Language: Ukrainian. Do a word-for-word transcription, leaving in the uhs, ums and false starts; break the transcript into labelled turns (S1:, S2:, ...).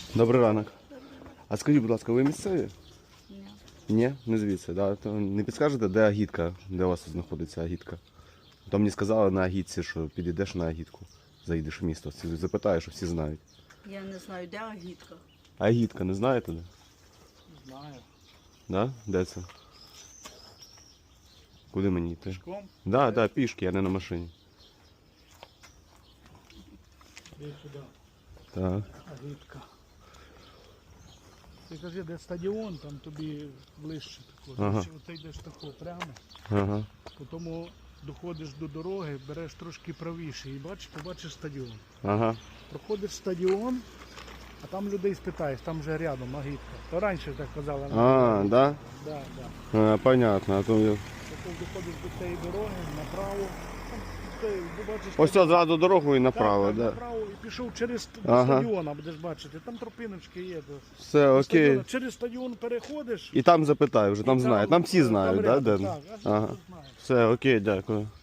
S1: Добрий ранок. А скажіть, будь ласка, ви місцеві?
S2: Ні.
S1: Ні, не звідси. Да? То не підскажете, де агітка, де у вас знаходиться агітка? То мені сказали на агітці, що підійдеш на агітку, заїдеш в місто, всі запитаєш, що всі знають.
S2: Я не знаю, де агітка.
S1: Агітка, не знаєте де?
S3: Знаю.
S1: Да? Де це? Куди мені йти?
S3: Пішком?
S1: Так, да, так, да, пішки, я не на машині.
S3: Іди сюди.
S1: Так.
S3: Агітка. Ти кажи, де стадіон, там тобі ближче тако.
S1: Ага.
S3: Оце йдеш тако прямо,
S1: Ага.
S3: потім доходиш до дороги, береш трошки правіше і бачиш, побачиш стадіон.
S1: Ага.
S3: Проходиш стадіон, а там людей спитаєш, там вже рядом агітка. То раніше так казали.
S1: А, да?
S3: Да, да.
S1: А, понятно. А то...
S3: Потім доходиш до цієї дороги, направо. Там, ти побачиш,
S1: Ось
S3: там-
S1: одразу дорогу і направо,
S3: так, так,
S1: да.
S3: направо і пішов через
S1: Ага.
S3: стадіон, будеш бачити. Там тропиночки є. до
S1: Все, окей.
S3: стадіону. Через стадіон переходиш.
S1: І там запитаю, вже там
S3: і
S1: знають. Там всі знають,
S3: там
S1: да,
S3: рядом,
S1: де?
S3: так, аж
S1: Ага.
S3: тут знають.
S1: Все, окей, дякую.